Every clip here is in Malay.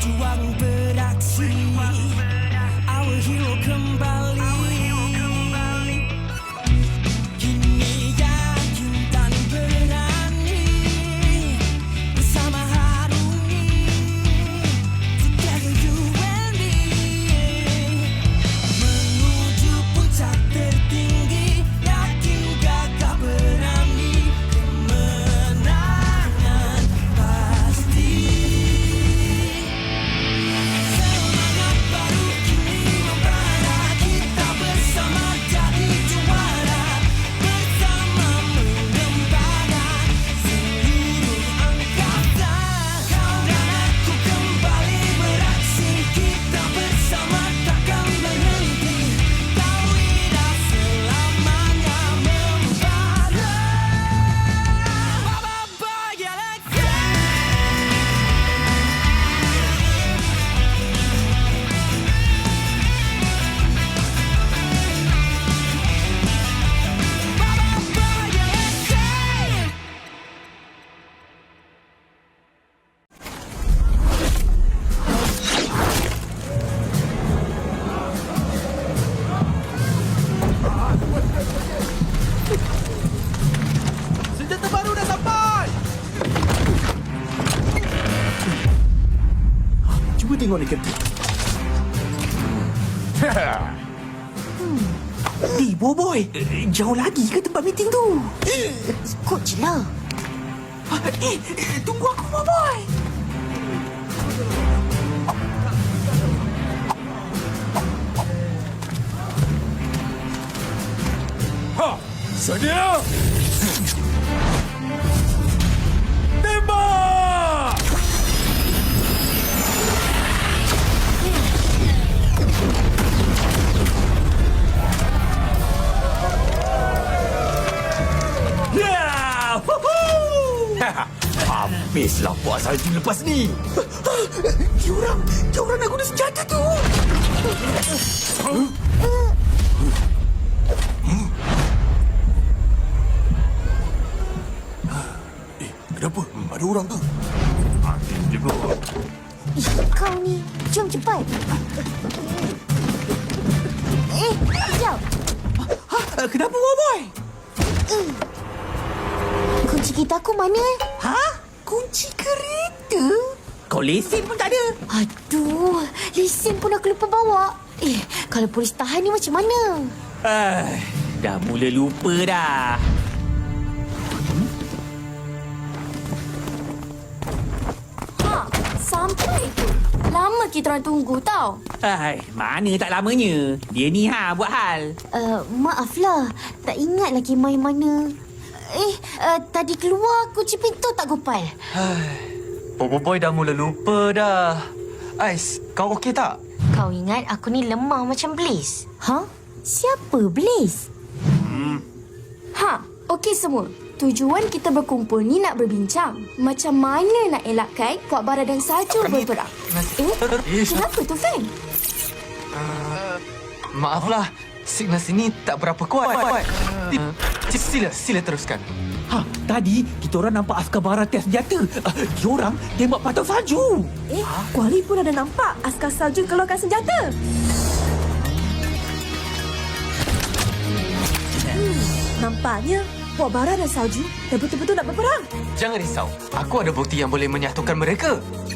Berjuang beraksi, our hero kembali. Kini yakin dan berani bersama harungi. Together you and me, menuju puncak tertinggi. Yakin gagah berani, kemenangan pasti. Semangat baru kini membara, kita bersama jadi juara. Bersama mengembara seluruh angkasa. Kau dan aku kembali beraksi, kita bersama takkan berhenti. Kau lidah selamanya membara. Baba Galaxy. Senjata baru dah sampai! Cuba tengok ni kereta. Boboy, jauh lagi ke tempat meeting tu? Ikut je lah. Tunggu aku, Boboy. Sedia! Tembak! Ya! Habislah buat salju lepas ni. Diorang nak guna senjata tu. Kenapa? Ada orang ke? Ih, kau ni. Jom cepat. Sekejap. Kenapa, Boboy? Kunci kereta aku mana? Kunci kereta? Kau lesen pun tak ada. Aduh, lesen pun aku lupa bawa. Kalau polis tahan ni macam mana? Dah mula lupa dah. Sampai tu. Lama kita orang tunggu tau. Mana tak lamanya. Dia ni buat hal. Maaflah. Tak ingat lagi main mana. Tadi keluar kunci pintu tak gopal. Boboiboy dah mula lupa dah. Ais, kau okey tak? Kau ingat aku ni lemah macam Blaze? Siapa Blaze? Okey semua. Tujuan kita berkumpul ni nak berbincang. Macam mana nak elakkan Puak Bara dan Salju berperang. Kenapa tu, Feng? Maaflah, signal sini tak berapa kuat. Sila teruskan. Tadi kita orang nampak askar bara test senjata. Diorang tembak patah salju. Kuali pun ada nampak askar salju keluarkan senjata. Nampaknya Puak Bara dan Salju dah betul-betul nak berperang. Jangan risau, aku ada bukti yang boleh menyatukan mereka.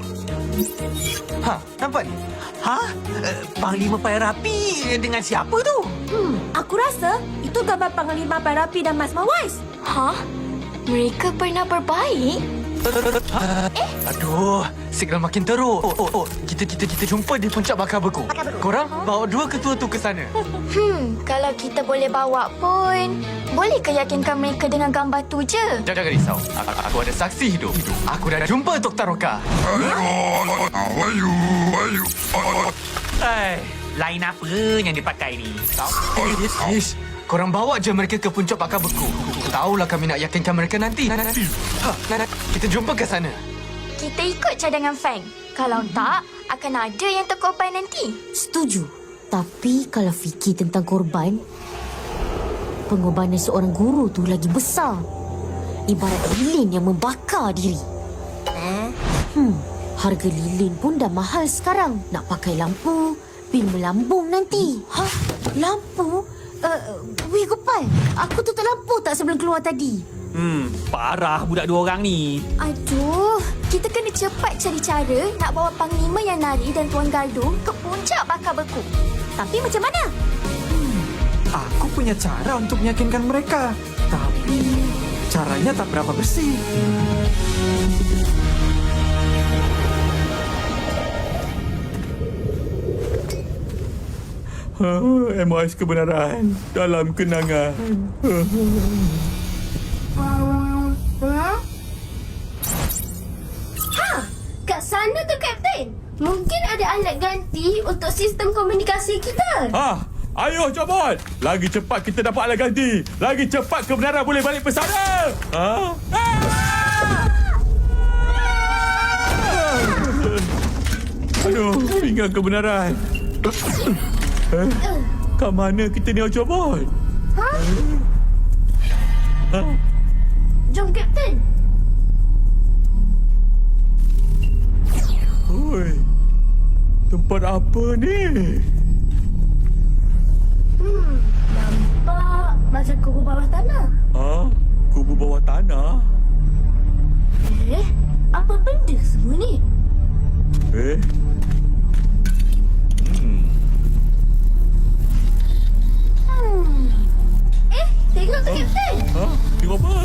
Nampak ni? Panglima Payah Rapi dengan siapa tu? Aku rasa itu gambar Panglima Payah Rapi dan Mas Mawais. Mereka pernah berbaik? Aduh, signal makin teruk. Kita jumpa di puncak bakar beku. Korang bawa dua ketua tu ke sana. Kalau kita boleh bawa pun, boleh ke yakinkan mereka dengan gambar tu je? Jangan risau, aku ada saksi hidup. Aku dah jumpa Tok Taroka. Lain apa yang dia pakai ni? Ish, korang bawa je mereka ke puncak bakar beku. Tahulah kami nak yakinkan mereka nanti. Kita jumpa ke sana. Kita ikut cadangan Feng. Kalau tak, akan ada yang terkorban nanti. Setuju. Tapi kalau fikir tentang korban, pengorbanan seorang guru tu lagi besar. Ibarat lilin yang membakar diri. Harga lilin pun dah mahal sekarang. Nak pakai lampu, bil melambung nanti. Hah? Lampu? Weh Gopal, aku tutup lampu tak sebelum keluar tadi? Parah budak dua orang ni. Aduh, kita kena cepat cari cara nak bawa Panglima yang nari dan Tuan Galdung ke puncak bakar beku. Tapi macam mana? Aku punya cara untuk meyakinkan mereka. Tapi caranya tak berapa bersih. MOS kebenaran dalam kenangan. Kat sana tu, Kapten. Mungkin ada alat ganti untuk sistem komunikasi kita. Ayo Jomon, lagi cepat kita dapat alat ganti, lagi cepat kebenaran boleh balik pesara. Aduh, pinggan kebenaran. Kat mana kita ni Jomon? Jom, Kapten. Oi, tempat apa ni? Nampak macam kubur bawah tanah. Kubu bawah tanah? Apa benda semua ni? Tengok tu, Kapten. Tengok apa?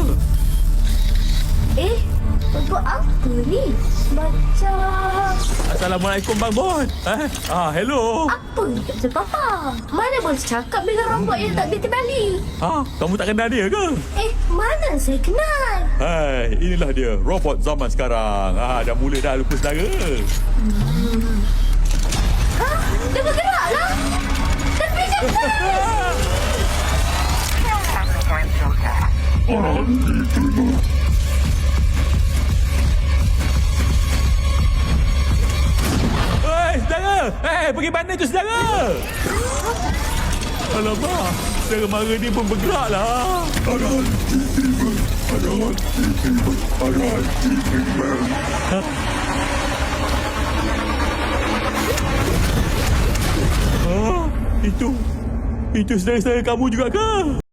Untuk apa ni? Macam... Assalamualaikum Bang Bon. Hello. Apa ni, Kapten Papa? Mana boleh cakap dengan robot yang tak balik-balik? Kamu tak kenal dia ke? Mana saya kenal? Hai, inilah dia, robot zaman sekarang. Dah mula dah lupa saudara. Dia bergerak lah! Tapi Kapten! Saudara! Pergi mana tu saudara? Alamak, saudara mara ni pun bergerak lah. Itu saudara-saudara kamu juga ke?